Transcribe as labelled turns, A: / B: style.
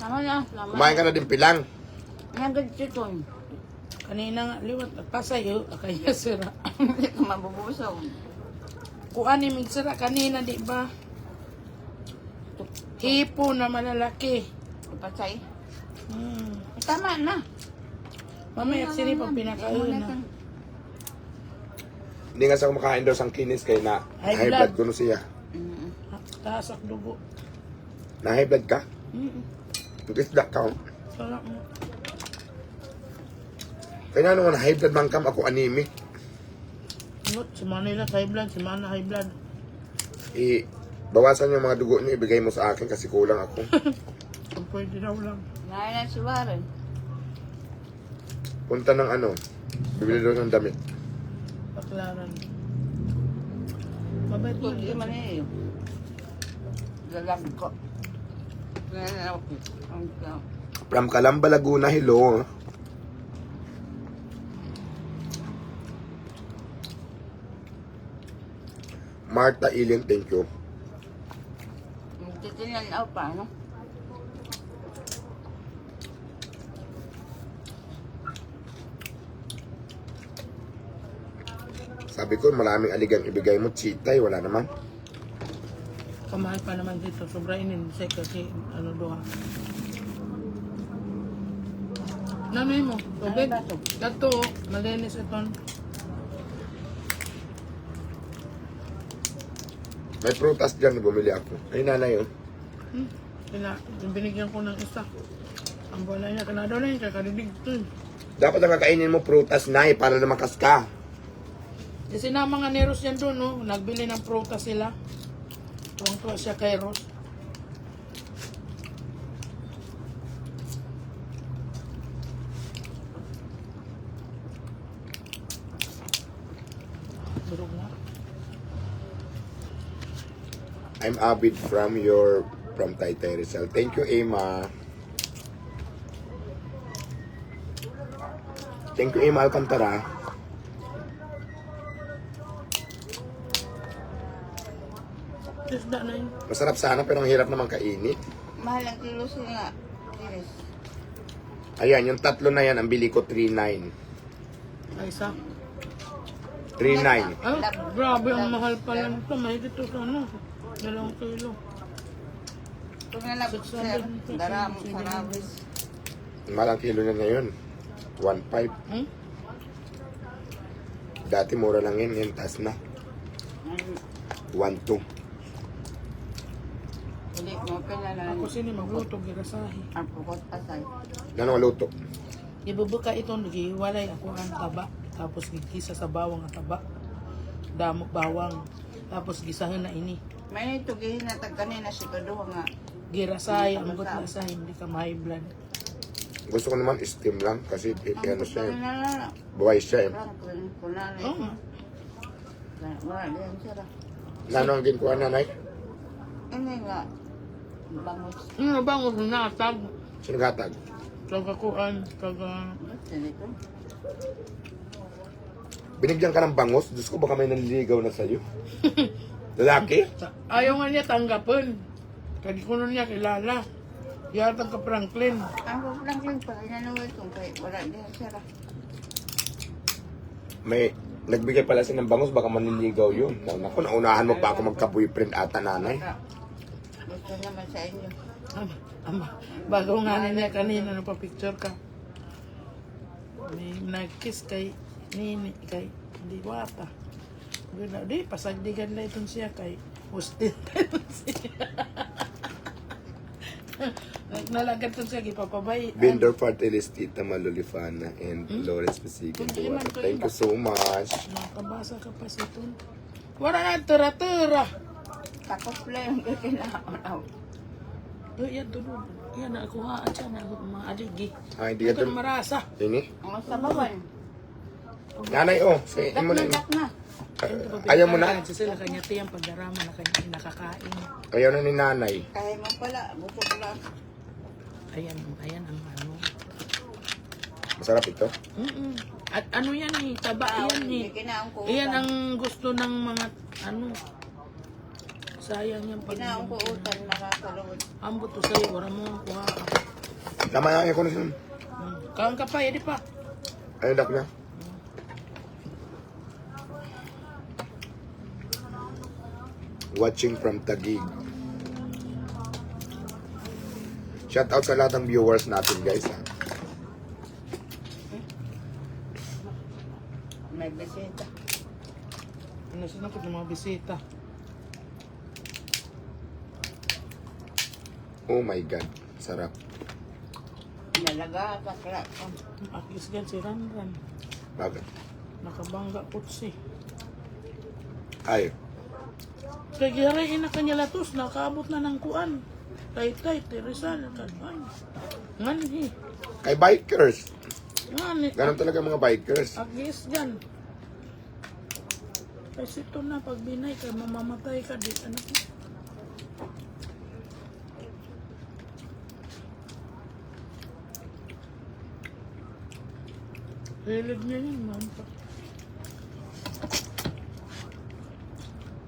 A: Tama na. Tama.
B: Kumain ka na din pilang.
A: Nagad chiton.
C: Kanina nga, liwat, pasayo, kaya sira.
A: Hindi ka mabubusog.
C: Kuan ni sira kanina, di ba? Hipo na malalaki.
A: Ipatay.
C: Tama na. Mamaya sini pag pinakain na.
B: Hindi nga sa kumakain daw sang kinis kay na
C: High
B: high blood
C: blood.
B: ko no siya.
C: Taas ang dugo.
B: Na high blood ka? Isda ka.
C: Sarap mo.
B: Kaya naman high blood man kam ako anemic.
C: Si Manila high blood, si Mana high blood.
B: Bawasan yung mga dugo niyo, ibigay mo sa akin kasi kulang ako.
C: Kung pwede daw lang.
A: Ngayon na si Warren.
B: Punta ng ano, bibili doon ng damit.
C: Paklaran. Mabait mo.
A: Hindi man eh. Lalag ko. Ngayon ako.
B: From Calamba, Laguna, hello. Marta Iling, thank you.
A: Titingnan ako pa, no?
B: Sabi ko, maraming aligang ibigay mo, chitay, wala naman.
C: Kamahal pa naman dito. Sobra inin. Kasi ano doha. Nanay mo. Okay. Dato. Malinis iton.
B: May prutas dyan, bumili ako. Ay, nanay yun.
C: Binigyan ko ng isa. Ang bola niya. Kanado na yun. Kakaridig to.
B: Dapat ang kakainin mo prutas, nay, para na makas ka.
C: Kasi na mga neros yan doon, no? Nagbili ng prutas sila. Tuwang-tuwa siya kay Ros. Durog na.
B: I'm Abid from Taytay Rizal. Thank you, Emma. Thank you, Emma Alcantara.
C: Isda na yun.
B: Masarap sana pero ang hirap naman kainin.
A: Mahal ang kilo sila. Kinis.
B: Ayan, yung tatlo na yan, ang bili ko 3.9.
C: Ay, isa.
B: 3.9.
C: Ay, grabe ang mahal pala nito. Mahigit ito sa ano. 2 kilo.
A: Ito na lang, sir. Daram, sarabis.
B: Malang kilo na ngayon. 1.5. Dati mura lang yun, ngayon taas na. 1.2.
A: Hindi mo pinala.
C: Ako sini magluto, girasahi.
A: Ang pukot pasay.
B: Ano ang luto?
C: Ibubuka ito, nagihiwalay ako ang taba. Tapos gigisa sa bawang ang taba. Damok bawang. Tapos gisahin na ini.
A: May itugihin na tag kanina si Kaduha nga.
C: Girasahi, ang gut na sa hindi ka may blood.
B: Gusto ko naman steam lang kasi ano siya eh.
A: na.
B: Buhay siya eh.
A: Kunanay.
C: Oo.
A: Wala din sila.
B: Ano ang ginkuha nanay?
A: Ini nga. Bangus.
C: Ano ba ang natag?
B: Sino gatag?
C: Kagakuan, kaga...
A: Sinito.
B: Binigyan ka ng bangos? Diyos ko baka may nanliligaw na sa'yo. Lalaki?
C: Ayaw nga niya tanggapin. Kadi ko nun niya kilala. Yatag ka Franklin.
A: Ang Franklin pala nanuwi itong kay wala din sila.
B: May nagbigay pala siya ng bangos, baka manliligaw yun. Naku, naunahan mo pa ako magka-boyfriend ata nanay.
A: Gusto naman sa inyo.
C: Bago nga nila kanina napapicture ka. May nag-kiss kay Nini, kay Diwata. Di, pasagdigan na itong siya kay Hustin. Nalagat itong siya, ipapabay.
B: Binder Fartelis, Tita Malolifana, and Lawrence Masigan. Thank you so much.
C: Nakabasa ka pa sa ito. Wala na, tira-tira.
A: Takot lang yung kailangan.
C: Yan, tulog. Yan, nakuhaan siya na mga aligi.
B: Ay, di ka
C: Ito marasa.
B: Ini?
A: Ang sabawan.
B: Nanay, oh. Sayin mo na yun.
A: Dak na.
B: Ayaw mo na?
C: Sila kanya tiyang pagdarama na kanya nakakain.
B: Ayaw na ni nanay.
A: Kaya mo pala. Busog lang.
C: Ayan ang ano.
B: Masarap ito.
C: At ano yan eh, taba yan eh.
A: Kinaong ko.
C: Iyan ang gusto ng mga ano. Sayang yan pag
A: Kinaong ko utan. Makakalawad.
C: ambot to sa'yo, wala mo kuha ka.
B: Tama yan ko na siya.
C: Kaon ka pa, edi pa.
B: Ay, dak na. Watching from Taguig. Shout out sa lahat ng viewers natin, guys. Ha?
A: May bisita.
C: Ano sila ko ng mga bisita.
B: Oh my God. Sarap.
A: Nalaga ka kaya.
C: Akis gan si Ranran.
B: Bakit?
C: Nakabangga kutsi.
B: Ay.
C: Kaya giyaray na kanya latos, nakaabot na ng kuan. Tay-tay, Teresal, kanman. Nganhi.
B: Kay bikers.
C: Nganhi.
B: Ganun talaga mga bikers.
C: Agis gan. Kasi ito na, pag binay ka, mamamatay ka. Di, ano ko? Hilig niya yun, mampak.